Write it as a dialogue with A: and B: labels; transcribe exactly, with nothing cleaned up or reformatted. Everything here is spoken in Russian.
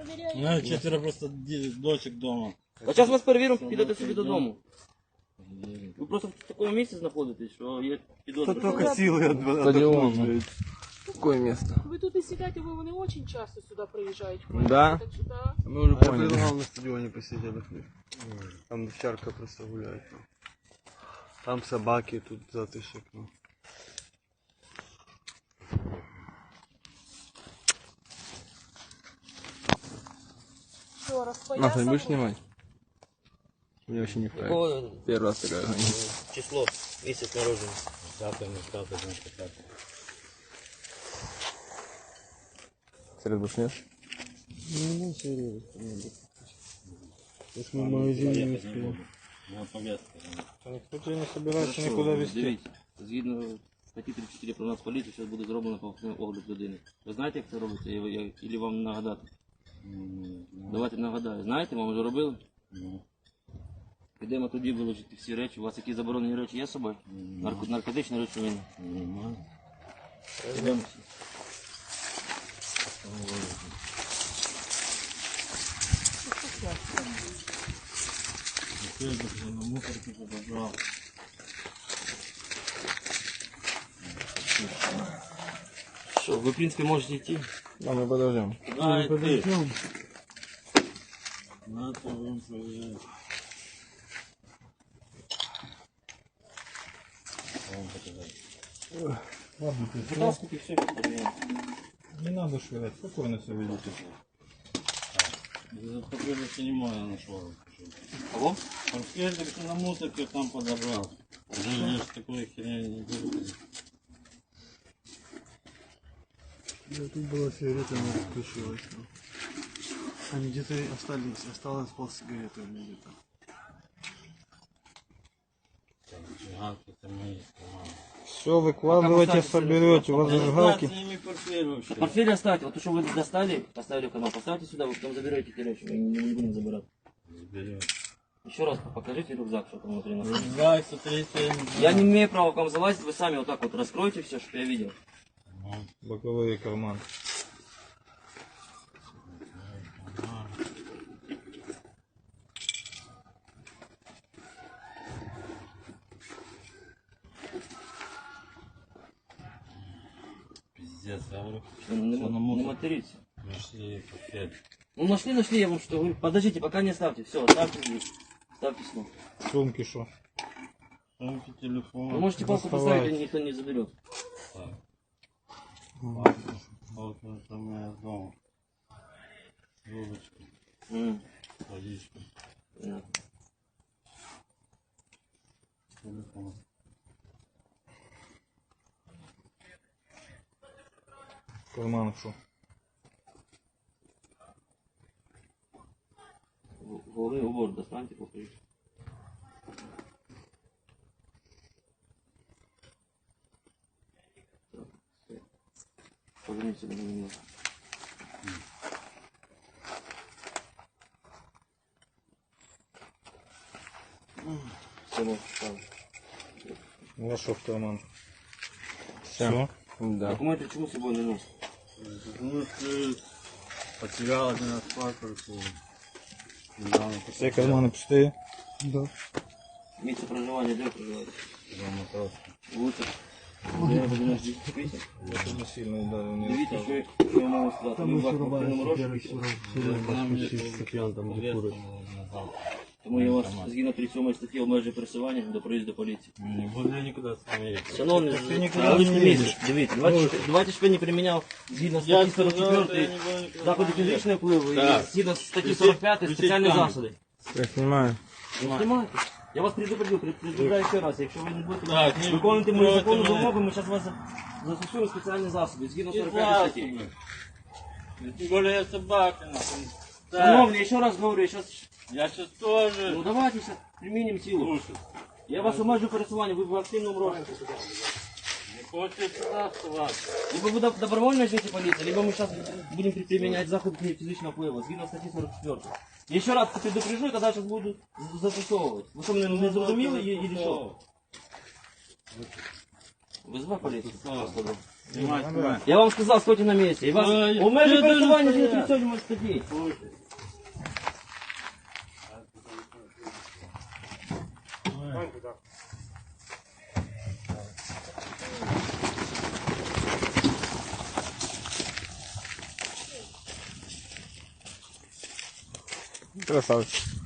A: проверяете?
B: Ну, четверо просто дочек дома.
C: А зараз вас перевіримо, підете собі додому. Ви просто в такому місці знаходитесь, що є підозра.
D: Только силы отдохнуть. Какое место?
A: Вы тут и сидите, вы не очень часто сюда приезжаете.
D: Да?
A: Так что, да.
D: Мы уже
E: А я
D: поняли.
E: предлагал на стадионе посидеть отдохнуть. Там овчарка просто гуляет. ну. Там собаки, тут затышек. Ну.
A: Что,
D: Маша,
A: распоясал?
D: не будешь снимать? Мне вообще не вправе.
C: Якого
D: Первый раз такая.
C: число, місяць народження?
B: Пятый, ну, пятый, ну, пятый.
D: Серед бушнешь?
E: Ну, ну, серьезно. Если мы в магазине не успеем.
B: Ну, повестка.
E: Никто тебя не собирается
C: Хорошо,
E: никуда везти.
C: Дивіться, згідно статті тридцять чотири про Нацполіцію, зараз буде зроблено повторний огляд людини. Ви знаєте, як це робиться? І ви- я- Ілі вам нагадати? Давайте нагадаю. Знаєте, вам вже робили?
B: Ну,
C: Підемо тоді вилучити всі речі. У вас які заборонені речі є з собою? Нарко- наркотичні речовини.
B: нормально.
C: Підемо всі.
B: Ты это на мусорке подобрал.
C: Що, ви, в принципі, можете йти.
D: Да, мы подождем.
B: Ай, ты. Надо вам проверять. Вам показать.
E: Ладно, ты
C: Вытаскивайте все, подождем.
E: не надо швырять, спокойно все ведите.
B: Покажи, снимаю, я нашел.
C: Кого?
B: Портфель так на мусорке там подобрал. Уже здесь такой херня не будет.
E: Да, тут была сигарета, она включилась. ну. Они где-то остались, осталось пол сигареты у меня где-то.
B: Зажигалки это мои сломали.
E: Все, выкладывайте, соберете, у вас
B: Да
E: зажигалки.
B: с ними портфель вообще.
C: Портфель оставьте. Вот то, что вы достали, поставили в канал, поставьте сюда, вы потом заберете эти речи. Мы не, не будем забирать.
B: Заберем.
C: Еще раз покажите рюкзак, что там внутри находится.
B: Рюкзак, смотрите.
C: Я не имею права к вам залазить, вы сами вот так вот раскройте все, чтобы я видел.
E: Боковые карманы.
B: Пиздец, я говорю.
C: Что, не,
B: Всё на
C: не
B: мусор.
C: материтесь.
B: Нашли портфель.
C: Ну нашли, нашли, я вам что говорю. Подождите, пока не ставьте. Все, ставьте здесь. Ставьте снова.
E: Сумки шо?
B: Сумки, телефон.
C: Вы можете палку
E: доставайте.
C: поставить, и никто не заберет.
B: Так. Ладно. Вот это у меня дома. Трубочка,
C: М,
B: водичка,
C: понятно.
B: телефон.
E: В карманах шо?
C: В- Головный убор достаньте, покажите. Так, всё. Поверните себя на меня. Все, можете ставить.
E: У вас шо в карман?
D: Все. Да.
C: Документы чему с собой не носят?
B: Ну, ты потерял один раз паспорт. Недавно
E: Все карманы пустые? Да.
C: Место проживания, где вы проживаете?
B: дома просто.
C: Лучше. Я буду на здесь писать.
E: Это не сильно ударил, не
C: Дивіться,
E: рассказывай.
C: що що я можу сказати. Ми в квартирному розшуку.
B: Нам не повестку назад.
C: Тому я вас згідно тридцять сьомої статті обмежую пересування до проїзду поліції.
B: Не буду я никуда с вами ехать.
C: Шановний,
E: ти нікуди
C: я
E: не
C: не
E: їдеш.
C: місяць. Дивіться, давайте, давайте щоб я не приміняв згідно статті сорок четвертої заходи фізичної впливу і
B: Так.
C: згідно статті сорок п'ятої спеціальні засоди.
D: Я снимаю.
C: Ну, знімайте. Я вас предупредив, предупреждаю ще раз, якщо ви не будете
B: Так, не
C: виконувати мою
B: проти
C: законну
B: мене.
C: вимогу, ми зараз вас за- застосуємо спеціальні засоби згідно
B: Не
C: сорок п'ятої статті.
B: плачь. Тем более я собака. нахуй. Так,
C: Шановний, я ще раз говорю, я зараз...
B: я сейчас тоже.
C: Ну давайте сейчас применим силу.
B: Слушай,
C: Я вас обмежу пересування, ви в активному розшуку.
B: не хочешь сюда оставаться.
C: Либо вы доб- добровольно ждете полиции, либо мы сейчас будем при- применять заходы физического впливу, згідно статті сорок четвертої. Я еще раз предупрежу, когда сейчас буду з- застосовувати. Ви що, мене не зрозуміли і, і що? Визвав поліцію?
B: Застосовую.
C: Просто, да.
B: Снимай, снимай.
C: Я вам сказав, стойте на місці. І вас...
B: Ой,
C: У мене
B: я
C: пересування
B: даже
C: не
B: стояв.
C: тридцять може статті.
D: Красавчик.